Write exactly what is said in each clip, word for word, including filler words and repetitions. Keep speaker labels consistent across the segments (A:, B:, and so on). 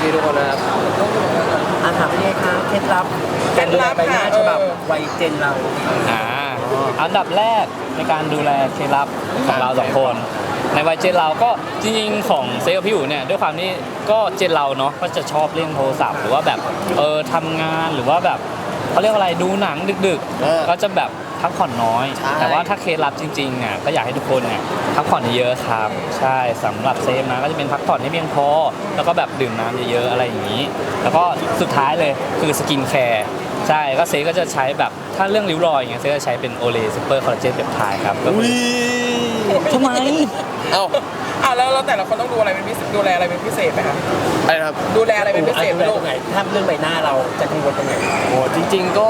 A: พี่ๆทุกคนนะครับ
B: อาถามพี่เอกครับเคล็ดลับการดูแลใบหน้าฉบับวัยเจนเรา
C: อ่าอันดับแรกในการดูแลเคล็ดลับของเราสองคนในวัยเจนเราก็จริงๆของเซลล์พี่อู๋เนี่ยด้วยความที่ก็เจนเราเนาะก็จะชอบเล่นโทรศัพท์หรือว่าแบบเออทำงานหรือว่าแบบเขาเรียกว่าอะไรดูหนังดึกๆก็จะแบบพักผ่อนน้อยแต่ว่าถ้าเคล็ดลับจริงๆเนี่ยก็อยากให้ทุกคนเนี่ยพักผ่อนเยอะครับใช่สำหรับเซฟนะก็จะเป็นพักผ่อนให้เพียงพอแล้วก็แบบดื่มน้ำเยอะๆอะไรอย่างนี้แล้วก็สุดท้ายเลยคือสกินแคร์ใช่ก็เซฟก็จะใช้แบบถ้าเรื่องริ้วรอยอย่างเงี้ยเซฟจะใช้เป็นโอเลซูเปอร์คอลลาเจนเปปไทด์ครับก็คือทำไม
A: เอ้า
D: อ่ะแล้วเราแต่ละคนต้องดูอะไรเป็นพิเศษดูแลอะไรเป็นพิเศษไหมครับ
A: อะไรครับ
D: ดูแลอะไรเป็นพิเศษไหมลูก
B: ไหนถ้าเรื่องใบหน้าเราจะกังวลตรงไหน
A: โอ้จริงๆก็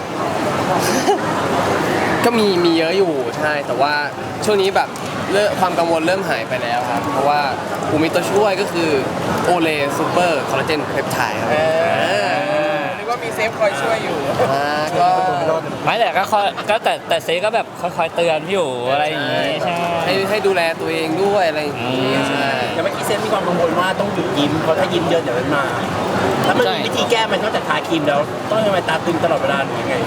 A: ก็มีมีเยอะอยู่ใช่แต่ว่าช่วงนี้แบบเริ่มความกังวลเริ่มหายไปแล้วครับเพราะว่าผมมีตัวช่วยก็คือโอเลซูเปอร์คอลลาเจนเพปไทด์ครับ
D: หรือว่ามีเซฟคอยช่วยอยู่
A: อ่าก็
C: ไม่แต่ก็ก็แต่แต่เซฟก็แบบคอยๆเตือนพี่อยู่อะไรอย่างงี้ใช่
A: ให้ให้ดูแลตัวเองด้วยอะไรอย่างงี้ใช่
B: แต่เมื่อกี้เซฟมีความกังวลว่าต้องหยุดยิ้มเพราะถ้ายิ้มเยอะเดี๋ยวมันมาแล้วมันมีวิธีแก้มันนอกจากทาครีมแล้วต้องทำไมตาตึงตลอดเวลาหรือยังไง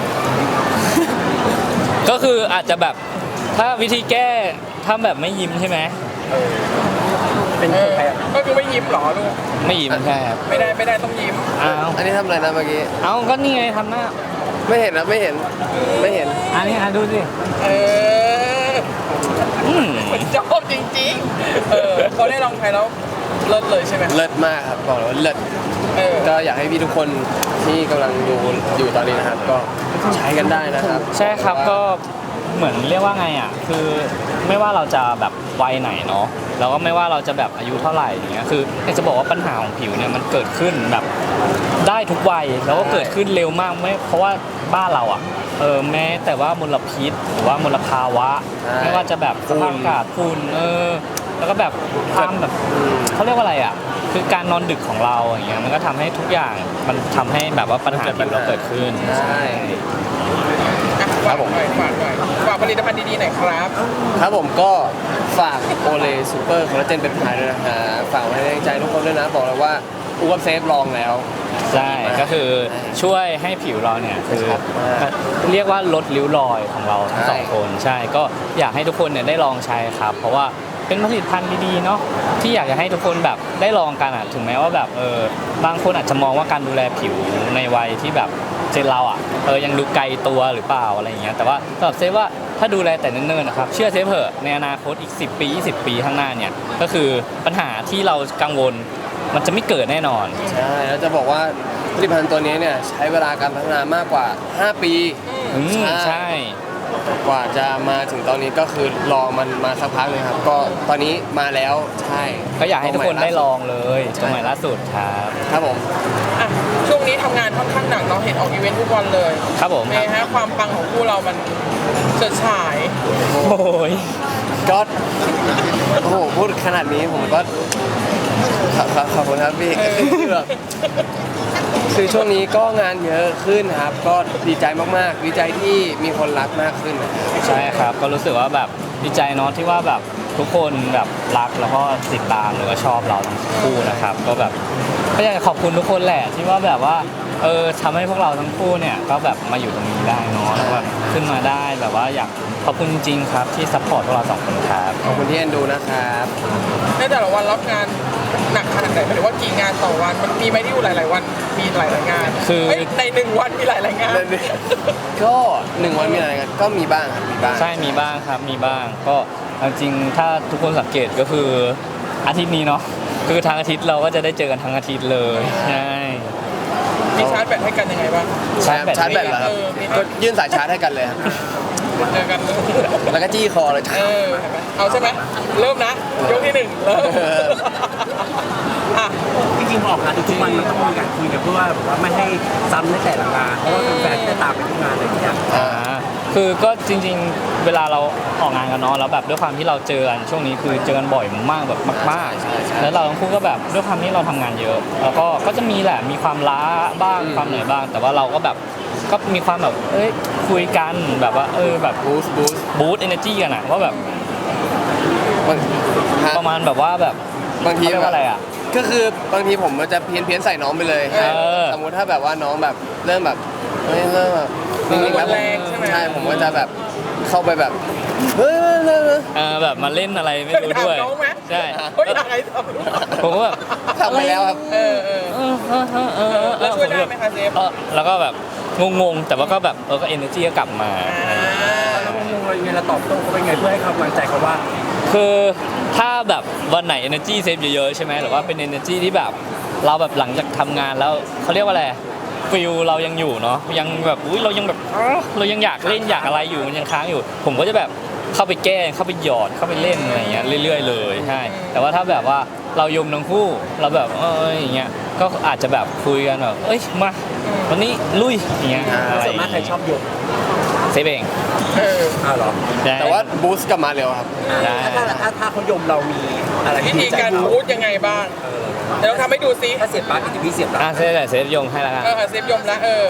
C: ก็คืออาจจะแบบถ้าวิธีแก้ถ้าแบบไม่ยิ้มใช่ไหม
B: เป็นใคร
D: ก็คือไม่ยิ้มหรอลูก
C: ไม่ยิ้มใช่ครับ
D: ไม่ได้ไม่ได้ต้องยิ้ม
C: อ้าว
A: อันนี้ทำอะไรนะเมื่อกี้
C: เอาก็นี่ไงทำหน้า
A: ไม่เห็นนะไม่เห็นไม่เห็น
C: อันนี้อ่ะดูสิ
D: เออมันชอบจริงๆเออเขาได้ลองใช้แล้วเลิศเลยใช่ไหม
A: เลิศมากครับบอกเลยว่าเลิศก็อยากให้พี่ทุกคนที่กำลังดูอยู่ตอนนี้นะครับก็ใช้กันได้นะครับ
C: ใช่ครับก็เหมือนเรียกว่าไงอ่ะคือไม่ว่าเราจะแบบวัยไหนเนาะแล้วก็ไม่ว่าเราจะแบบอายุเท่าไหร่อย่างเงี้ยคืออยากจะบอกว่าปัญหาของผิวเนี่ยมันเกิดขึ้นแบบได้ทุกวัยแล้วก็เกิดขึ้นเร็วมากไม่เพราะว่าบ้านเราอ่ะเออแม้แต่ว่ามลพิษหรือว่ามลภาวะไม่ว่าจะแบบสภาพอากาศฝุ่นเออแล้วก็แบบความแบบเขาเรียกว่าอะไรอ่ะคือการนอนดึกของเราอย่างเงี้ยมันก็ทำให้ทุกอย่างมันทำให้แบบว่าปัญหาผิวเราเกิดขึ้น
A: ใช่
D: ฝากหน่อยฝากหน่อยฝากผลิตภัณฑ์ดีๆหน่อยครับ
A: ครับผมก็ฝากโอเลซูเปอร์คอลลาเจนเป็นพายด้วยนะฮะฝากไว้ในใจทุกคนด้วยนะบอกเลยว่าอูกับเซฟลองแล้ว
C: ใช่ก็คือช่วยให้ผิวเราเนี่ยคือเรียกว่าลดริ้วรอยของเราทั้งสองคนใช่ก็อยากให้ทุกคนเนี่ยได้ลองใช้ครับเพราะว่าเป็นผลิตภัณฑ์ดีๆเนาะที่อยากจะให้ทุกคนแบบได้ลองกันอ่ะถึงแม้ว่าแบบเออบางคนอาจจะมองว่าการดูแลผิวในวัยที่แบบเจนเราอ่ะเออยังดูไกลตัวหรือเปล่าอะไรอย่างเงี้ยแต่ว่าสำหรับเซฟว่าถ้าดูแลแต่เนิ่นๆนะครับเชื่อเซฟเถอะในอนาคตอีกสิบปียี่สิบปีข้างหน้าเนี่ยก็คือปัญหาที่เรากังวลมันจะไม่เกิดแน่นอน
A: ใช่แล้วจะบอกว่าผลิตภัณฑ์ตัวนี้เนี่ยใช้เวลาการพัฒนามากกว่าห้าปี
C: ใช่
A: กว่าจะมาถึงตอนนี้ก็คือรอมันมาสักพักเลยครับก็ตอนนี้มาแล้วใช่
C: ก็อยากให้ทุกคนได้ลองเลยตัวใหม่ล่าสุดครับ
A: ครับผม
D: อ่ะช่วงนี้ทำงานค่อนข้างหนักเราเห็นออกอีเวนต์ทุกวันเลย
C: ครับผม
D: เมย์ฮะความปังของคู่เรามันเฉิดฉาย
C: โอ้ย
A: ก็โอ้โหพูดขนาดนี้ผมก็ขอบคุณครับพี่คือแบบคือช่วงนี้ก็งานเยอะขึ้นครับก็ดีใจมากๆดีใจที่มีคนรักมากขึ้น
C: ใช่ครับก็รู้สึกว่าแบบดีใจเนาะที่ว่าแบบทุกคนแบบรักแล้วก็ติดตามหรือว่าชอบเราทั้งคู่นะครับก็แบบก็อยากจะขอบคุณทุกคนแหละที่ว่าแบบว่าเออทำให้พวกเราทั้งคู่เนี่ยก็แบบมาอยู่ตรงนี้ได้เนาะแล้วแบบขึ้นมาได้แบบว่าอยากขอบคุณจริงๆครับที่ซัพพอร์ตพวกเราสองคนครับ
A: ขอบคุณที่เอ็นดูนะครับ
D: ในแต่ละวันรับงานหนักขนาดไหนหรือว่ากี่งานต่อวันมันมีไหมที่อยู่หลายๆวันมีหลายๆงาน
C: คือ
D: ในหนึ่งวันมีหลายๆงาน
A: ก็หนึ่งวันมีหลายงานก็มีบ้างครับมีบ้าง
C: ใช่มีบ้างครับมีบ้างก็จริงถ้าทุกคนสังเกตก็คืออาทิตย์นี้เนาะคือทางอาทิตย์เราก็จะได้เจอกันทั้งอาทิตย์เลยใช่
D: มีชาร์จแบตให้กันยังไงบ้าง
A: ชาร์จแบตชาร์จแบตเหรอครับก็ยื่นสายชาร์จให้กันเลยครับ
D: เจอกัน
A: แล้วก็จี้คอเลย
D: เออเอาใช่ไหมเริ่มนะยกที่หนึ่งเริ่ม
B: อ่ะจริงๆพอออกงานทุกวันมันต้องมีการคุยกันเพื่อว่าแบบว่าไม่ให้ซ้ำในแต่ละงานเพราะว่าแฟนๆจะตามไปทุกงานอะไรอย่างเงี้ย
C: อ่าคือก็จริงๆเวลาเราออกงานกันเนาะแล้วแบบด้วยความที่เราเจอกันช่วงนี้คือเจอกันบ่อยมากแบบมากๆแล้วเราทั้งคู่ก็แบบด้วยความที่เราทำงานเยอะแล้วก็ก็จะมีแหละมีความล้าบ้างความเหนื่อยบ้างแต่ว่าเราก็แบบก็มีความแบบเอ้ยคุยกันแบบว่าเออแบบ
A: บูสต์บูสต์
C: บูสต์เอเนอร์จีกันอะว่าแบบประมาณแบบว่าแบบ
A: บางที
C: แบบอะไรอะ
A: ก็คือบางทีผมมันจะเพี้ยนเพี้ยนๆใส่น้องไปเลย
C: เออ
A: สมมุติถ้าแบบว่าน้องแบบเริ่มแบบเฮ้ยเริ่มแบบนิ่งๆแล้ว
D: แรงใช่ไหม
A: ใช่ผมก็จะแบบเข้าไปแบบเฮ้ยเฮ้ยเฮ้ยเฮ้ย
C: เออแบบมาเล่นอะไรไม่รู้ด้วย
D: ถามน้องไหม
C: ใช่
D: เฮ้ยอะไรทำ
C: ผมก็แบบ
A: ทำไปแล้วครับ
D: เออเออ
C: เออเออเออเออเออ
D: แล้วช่วยได้ไหมคะเซฟ
C: เออแล้วก็แบบงงๆแต่ว่าก็แบบเออก็เอเนอร์จีก็กลับมา
B: แล้วงงๆเรายังไงเราตอบโต้เขาเป็นไงเพื่อให้กำลังใจเขาว่า
C: คือถ้าแบบวันไหน energy save เยอะๆใช่ไหมหรือว่าเป็น energy ที่แบบเราแบบหลังจากทำงานแล้วเขาเรียกว่าอะไรฟิลเรายังอยู่เนาะยังแบบอุ้ยเรายังแบบอ้าเรายังอยากเล่นอยากอะไรอยู่มันยังค้างอยู่ ผมก็จะแบบเข้าไปแก้เข้าไปหยอดเข้าไปเล่นอะไรอย่างเงี้ยเรื่อย ๆ เลยใช่แต่ว่าถ้าแบบว่าเรายมทั้งคู่เราแบบเอออย่างเงี้ยก็อาจจะแบบคุยกันแบบเอ้ยมาวันนี้ลุยอย่างเงี้ยอะไร
B: ส่วนมากใครชอบยก
C: เซฟเอง
D: เออ
B: อ้าวเหรอ
C: ใช่
A: แต่ว่าบูสต์กลับมาเร็วครับ
C: ได้
B: ถ้าถ้าถ้าถ้าเขายมเรามีอะไร
D: วิ
B: ที่
D: ธี
B: ใจ
D: การ
B: พู
D: พู
B: ด
D: ดยังไงบ้างเดี๋ยวเราทำให้ดูซิ
B: ถ้าเสียบปลั๊กจะพี่เสียบปลั๊
C: อ่ะ
B: ก
C: เซฟเซฟยงให้แล้วกัน
D: เออเซฟยมละเออ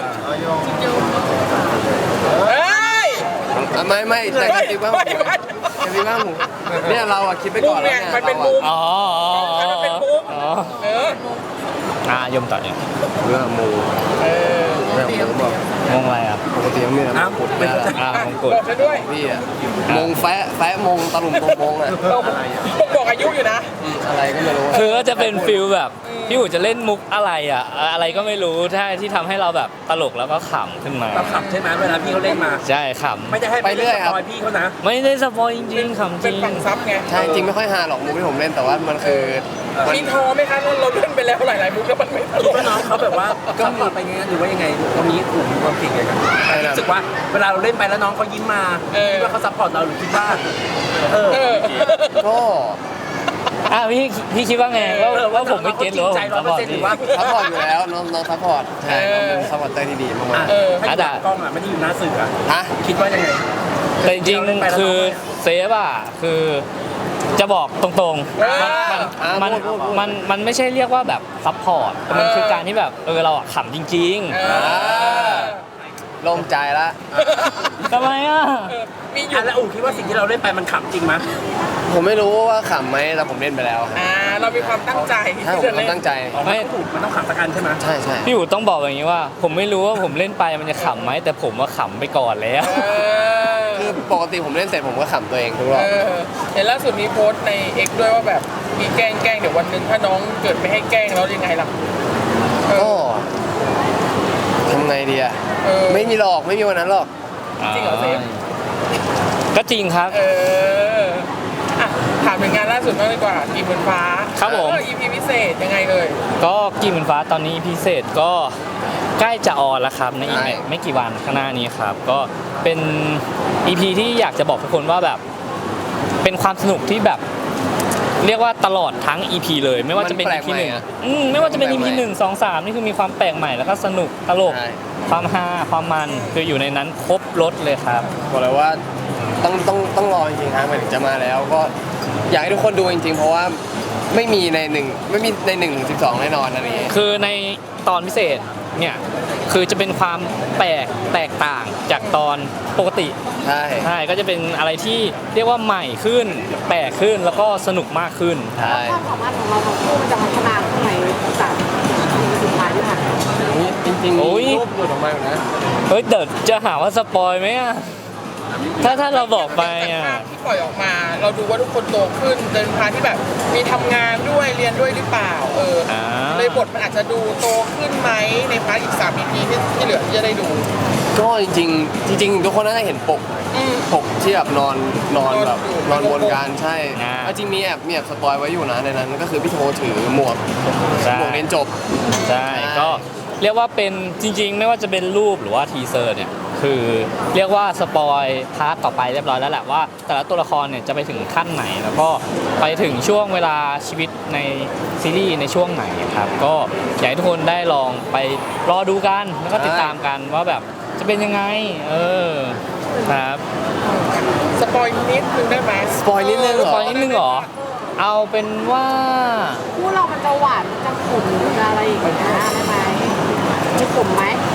D: เฮ้ย
A: อ่ะไม่ไม่แต่กระติบว่า
D: ไม่ไม่
A: กระติบว่าหมูเนี่ยเราอะคิดไปก่อนแล้ว
D: มุมเนี่ยมันเป็น
A: รา
D: มุ
A: อะ
D: ม
C: อ๋ออ๋อ
D: ให้มันเป็นมุก
C: อ๋อ
D: เออ
C: อ่ะยมต่อเนี่ย
A: เรื่องหมู
D: เออ
A: เรื่องหมูบอก
C: งงอะไรอ่ะ
A: ปกติมันมีแต่มงกุฎเนี่ยแหละ
C: อ่ะ
D: อ่ะ
C: มงกุฎ
D: บอกฉันด้วย
A: พี่อะมงแฟะแฟะมงตะลุมตรงมงอะ
D: เราผมบอกอายุอยู่นะ
A: อืมอะไรก็ไม่รู้
C: คือก็จะเป็นฟิลแบบพี่อู๋จะเล่นมุกอะไรอ่ะอะไรก็ไม่รู้ที่ที่ทำให้เราแบบตลกแล้วก็ขำขึ้นมา
B: เราขับใช่ไหมเวลาพี่เขาเล่นมา
C: ใช่ข
B: ไม่ได้ให้
A: ไปเรื่อยครับ
B: สปอยพี่เขานะ
C: ำไม่ได้สปอยจริงๆขำจ
D: เป็
C: ริ
D: น
C: ง
D: ฝั่งซับไง
A: ใช่จริงไม่ค่อยฮาหรอกมุกที่ผมเล่นแต่ว่ามันคือมัน
D: มีท้อไหมคะเราเราเล่นไปแล้วหลายๆมุกแล้วมันไม่ตล
B: คิด
D: ก
B: ว่าน้องเขาแบบว่าก็ปลอดไปไงหรือว่ายังไงตรงนี้กลุ่มมีความเก่งยังไงกันรู้สึกว่าเวลาเราเล่นไปแล้วน้องเขายิ้มมาคิดว่าเขาซัพพอร์ตเราหรือคิดว่าเออ
D: เออ
A: ก็
C: อ่ะพี่พี่คิดว่าไงว่า
B: เออ
C: ว่าผมไม่เก็ตหรือว่าผม
B: จริงใจ
C: สปอย
B: ร้อยเปอร์เซ็นต์หรื
C: พี่
B: อว่า
A: ซัพพอร์ตอยู่แล้วน้องน้องซัพพอร์ตใช่น้องเป็นซัพพอร์ตเตอร์ที่ดีมาก
B: เออให้ดูหลังกล้องอ่ะไม่ได้อยู่หน้าสื่ออ่ะ
A: ๆฮะ
B: คิดว่ายังไง
C: แต่จริงๆคือเซฟอ่ะคือจะบอกตรงๆ มันมันมันมันมันไม่ใช่เรียกว่าแบบซัพพอร์ตแต่มันคือการที่แบบเออเราอะขำจริง
D: เอ
A: อ่า
D: อ
A: โล่งใจละ
C: ๆทำไมอ่ะ
D: เออมีอยู่
B: อ่ะแล้วอู๋คิดว่าสิ่งที่เราเล่นไปมันขำจริงไหม
A: ผมไม่รู้ว่าขำไหมแต่ผมเล่นไปแล้วครับ
D: อ่าเรามีความตั้งใจ
A: ใช่ผม
D: ที่จะ
A: ก็
D: เล่น
A: ตั้งใจ
B: อ๋อมันต้องถูกมันต้องขำสักอันใช่ไหม
A: ใช่ใช่
C: พี่อู๋ต้องบอกอย่างนี้ว่า ผมไม่รู้ว่าผมเล่นไปมันจะขำไหมแต่ผมว่าขำไปก่อนแล้ว
D: เออ
A: คือปกติผมเล่นเสร็จผมก็ขำตัวเองทุกรอบ
D: เออเห็นล่าสุดมีโพสต์ใน X ด้วยว่าแบบมีแกล้งแกล้งเดี๋ยววันหนึ่งถ้าน้องเกิดไม่ให้แกล้งแล้วยังไงล่ะเอ
A: ก็
D: อ
A: ทำไงดีอะ
D: เออ
A: ไม่มีหรอกไม่มีวันนั้นหรอก
D: จริงเหรอเซฟ
C: ก็จริงครับ
D: เอออ่ะถามถึงงานล่าสุดบ้างดีกว่ากีบนฟ้า
C: ครับผม
D: เออ อี พี พิเศษยังไงเอ่ย
C: ก็กีเหมือนฟ้าตอนนี้พิเศษก็ใกล้จะออนแล้วครับในอีก
A: ใช่
C: ไม่ไม่กี่วันข้างหน้านี้ครับ ก็เป็น อี พี ที่อยากจะบอกทุกคนว่าแบบ เป็นความสนุกที่แบบ เรียกว่าตลอดทั้ง อี พี เลย ไม่ว่าจะเป็น
A: มันแปล
C: อี
A: ก
C: พี
A: ใหม่
C: หนึ่ง
A: อะ
C: อืมไม่ว่าจะเป็น อี พี
A: มันแปลกใหม่
C: หนึ่งสองสามนี่คือมีความแปลกใหม่แล้วก็สนุกตลก
A: ใช่
C: ความฮาความมันคืออยู่ในนั้นครบรถเลยครับ
A: บอกเลยว่าต้องต้องต้องรอจริงๆฮะมันถึงจะมาแล้วก็อยากให้ทุกคนดูจริงๆ เพราะว่าไม่มีในหนึ่งไม่มีในหนึ่งถึงสิบสองแน่นอนอันนี้
C: คือในตอนพิเศษเนี่ยคือจะเป็นความแปลกแตกต่างจากตอนปกติ
A: ใช่
C: ใช่ก็จะเป็นอะไรที่เรียกว่าใหม่ขึ้น แปลกขึ้นแล้วก็สนุกมากขึ้น
A: ใช่
E: ความสามารถของเราทั้งคู่มันจะพัฒนาขึ้นไหมจากอีพีสุดท้ายที่ผ่านมา
A: นี่จริงๆ
C: โอ้ย
A: มีรูปหลุดออกมาอยู่นะ
C: เฮ้ยเดี๋ยวจะหาว่าสปอยไหมอะถ้าถ้าเราบอกไปอะ
D: ภาพที่ปล่อยออกมา เราดูว่าทุกคนโตขึ้นเดินพาที่แบบมีทำงานด้วยเรียนด้วยหรือเปล่า เออ
C: อ่า
D: เลยบทมันอาจจะดูโตขึ้นไหมในพาร์ทอีกสาม อี พี ที่ที่เหลือที่จะได้ดู
A: ก็จริงๆ จริง ๆ ทุกคนน่าจะเห็นปก
D: อืม
A: ปกที่แบบนอนนอนแบบ
D: น
A: น
D: อ
A: อน น
D: อยู่
A: วนกันใช่
C: อ่า
A: เอาจริงมีแอบมีแอบสปอยไว้อยู่นะในนั้นก็คือพี่โทถือหมวก
C: ใช่
A: หมวกเรียนจบ
C: ใช่ก็เรียกว่าเป็นจริง ๆ ไม่ว่าจะเป็นรูปหรือว่าทีเซอร์เนี่ยคือเรียกว่าสปอยพาร์ทต่อไปเรียบร้อยแล้วแหละว่าแต่ละตัวละครเนี่ยจะไปถึงขั้นไหน แล้วก็ไปถึงช่วงเวลาชีวิตในซีรีส์ในช่วงไหนครับก็อยากให้ทุกคนได้ลองไปรอดูกันแล้วก็ติดตามกันว่าแบบจะเป็นยังไงเออครับ
D: สปอยนิดนึงได้ไหม
A: สปอยนิดนึงเหร
C: ปล่อยนิดนึงเหรอเอาเป็นว่า
E: คู่เรามันจะหวานมันจะขุ่นมันจะอะไรอย่างเงี้ยได้ไหมจะขุ่นไหม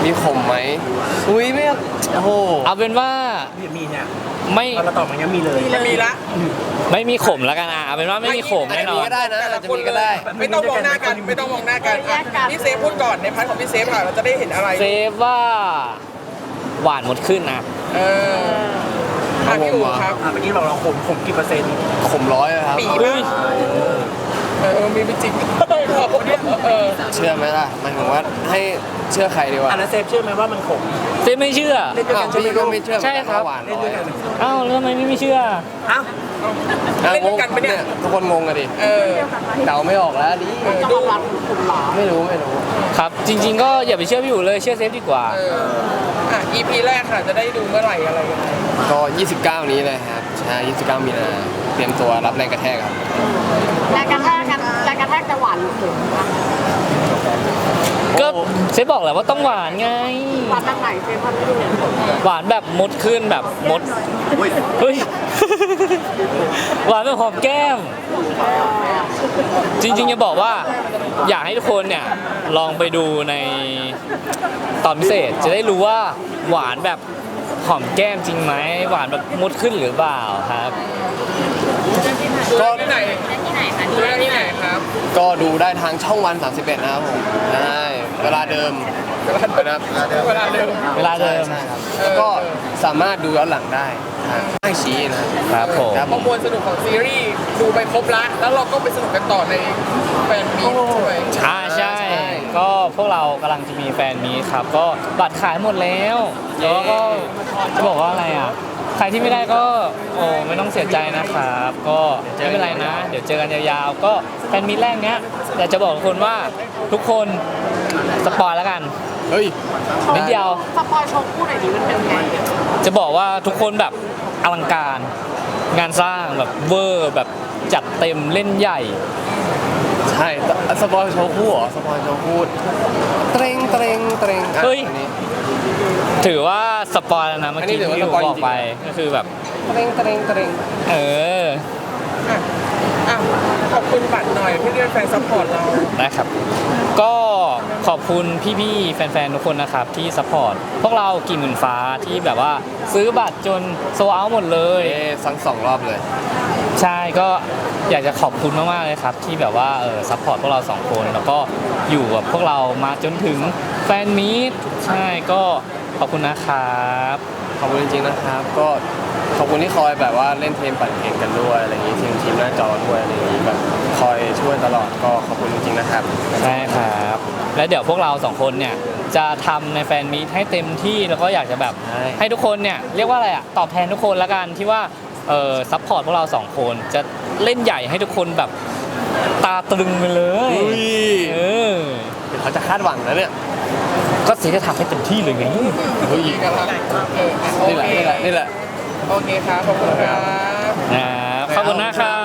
A: มีขมไหมอุ้ยไม่โอ้โห
C: เอาเป็นว่า
B: พี่มีเนี่ย
C: ไม่
B: พอเราตอบมันยังมีเลย
D: มันมีละ
C: ไม่มีขมแล้วกันอ่ะเอาเป็นว่าไม่มีขมแน่นอน
A: ก็ได้นะอาจจะมีก็ได้
D: ไม่ต้องมองหน้ากันไม่ต้องมองหน้ากันอ่ะพี่เซฟพูดก่อนในพาร์ทของพี่เซฟค่ะเราจะได้เห็นอะไร
C: เซฟว่าหวานหมดขึ้นนะ
D: เอออ่ะพี่อู๋ครับ
B: อ่ะเมื่อกี้บอกเราขมขมกี่เปอร์เซ็นต์
A: ขมร้อยเลยครับ
D: ปีบ้างเออมีเป็นจริงขอบคุณเนี่ยเออ
A: เชื่อไหมล่ะหมายถึงว่าให้เชื่อใครดีวะ
B: อ่ะแล้วเซฟเชื่อไหมว่ามันขม
C: เซฟไม่เชื่อ
B: เล่นด้วย
A: อ้า
B: กั
A: วน
B: ใช่ไหม
A: พี่ก็ไม่เชื่อ
C: ใช่ครับ
A: หวาน
B: เล่น
A: ร้อ
B: ด้วย ยกัน
C: อ้าวแล้วทำไมไม่เชื่อ
B: อ้าว
A: อ่ะ
D: เล่นด้วยกันปะเนี่ย
A: ทุกคนงงกันดิ
D: เออ
A: เดาไม่ออกแล้วดิ
E: จะมาวัดขุนหรอ
A: ไม่รู้ไม่รู้
C: ครับ จริง ๆ ก็อย่าไปเชื่อพี่อู๋เลยเชื่อเซฟดีกว่า
D: เอออ่ะ อี พี แรกค่ะจะได้ดูเมื่อไหร่อะไรยังไง
A: ก็ ยี่สิบเก้า นี้เลยครับใช่ยี่สิบเก้า มีนาเตรียมตัวรับแรงกระแทกครับ
E: แรงกระแทกกันแรงกระแทกจะหวานหรือขมคะ
C: ก็เซฟบอกแล้วว่าต้องหวานไง
E: หวานทางไหนเซฟพันไม่ดูเนี่ย
C: หวานแบบมดขึ้นแบบมดเฮ้ย หวานแบบหอมแก้ม จริงๆจะบอกว่าอยากให้ทุกคนเนี่ยลองไปดูในตอนพิเศษจะได้รู้ว่าหวานแบบหอมแก้มจริงไหมหวานแบบมดขึ้นหรือเปล่าครับ
D: ก็ที่ไหนดูได้ที่ไหนครับ
A: ก็ดูได้ทางช่องวัน สามสิบเอ็ด นะครับผมใช่เวลาเดิมนะครับเวลาเดิม
D: เวลาเดิม
C: เวลาเดิม
A: ใช่ครับแล้วก็สามารถดูย้อนหลังได้ทางไอชีนะครับ
C: ผม
A: ครับ
D: ป
A: ผ
D: ระ
A: ม
D: มวลสนุกของซีรีส์ดูไปครบละแล้วเราก็ไปสนุกกันต่อในแฟนมีตใช่ไหม
C: อ่าใช่ ก็พวกเรากำลังจะมีแฟนมีตครับ ก็บัตรขายหมดแล้วแล้วก็จะบอกว่าอะไรอ่ะ ใครที่ไม่ได้ก็โอ้ไม่ต้องเสียใจนะครับ ก็ไม่เป็นไรนะ เดี๋ยวเจอกันยาวๆ ก็แฟนมีตแรกเนี้ยอยากจะบอกทุกคนว่าทุกคนสปอยแล้วกัน
A: เฮ้ย
C: นิดเดียว
E: สปอยโชว์คู่หน่อยดิมันเป็นไง
C: จะบอกว่าทุกคนแบบอลังการ งานสร้างแบบเวอร์แบบจัดเต็มเล่นใหญ่
A: ใช่สปอยโชว์คู่เหรอสปอยโชว์คู่เตรงเตรงเตรงอ่ะ
C: เฮ้ย
A: อันนี้
C: ถือว่าสปอยแล้วนะเมื่อ
A: อันนี้
C: กี้
A: ถือว่า
C: ที่ผม
A: สปอย
C: บอกไป
A: จริง
C: ก็คือแบบ
A: เตรงเตรงเตรง
C: เออ
D: อ่ะอ่ะขอบคุณบัตรหน่อยที่เรียกแฟนซัพพอร์ตเรา
C: นะครับ ก็ขอบคุณพี่ๆ แฟนๆ ทุกคนนะครับที่ซัพพอร์ตพวกเรากี่หมื่นฟ้าที่แบบว่าซื้อบัตรจนโซเอาหมดเลย
A: เอ๊ะทั้งสองรอบเลย
C: ใช่ก็อยากจะขอบคุณมากๆเลยครับ ที่แบบว่าเออซัพพอร์ตพวกเราสองคนแล้วก็อยู่กับพวกเรามาจนถึงแฟนมีตใช่ก็ขอบคุณนะครับ
A: ขอบคุณจริงๆนะครับ ก็ขอบคุณที่คอยแบบว่าเล่นเทมปั่นเก่งกันด้วยอะไรอย่างงี้ทีมทีมหน้าจอด้วยอะไรอย่างงี้แบบคอยช่วยตลอดก็ขอบคุณจริงๆนะครับ
C: ใช่ครับ แล้วเดี๋ยวพวกเราสองคนเนี่ยจะทำในแฟนมีตให้เต็มที่แล้วก็อยากจะแบบ
A: ใช่
C: ให้ทุกคนเนี่ยเรียกว่าอะไรอะตอบแทนทุกคนละกันที่ว่าเออซัพพอร์ตพวกเราสองคนจะเล่นใหญ่ให้ทุกคนแบบตาตรึงไปเลย
A: อุ้ย
C: เออ
A: เดี๋ยวเขาจะคาดหวังแล้วเนี่ย
C: ก็เสียจะทำให้เต็มที่เลยไง
A: เฮ้ย
D: กันละเอออ่ะโอ
A: นี่แหละ
D: เค
A: นี่แหละนี่แหละ
D: โอเคครับขอบคุณครับ
C: นะครับขอบคุณนะครับ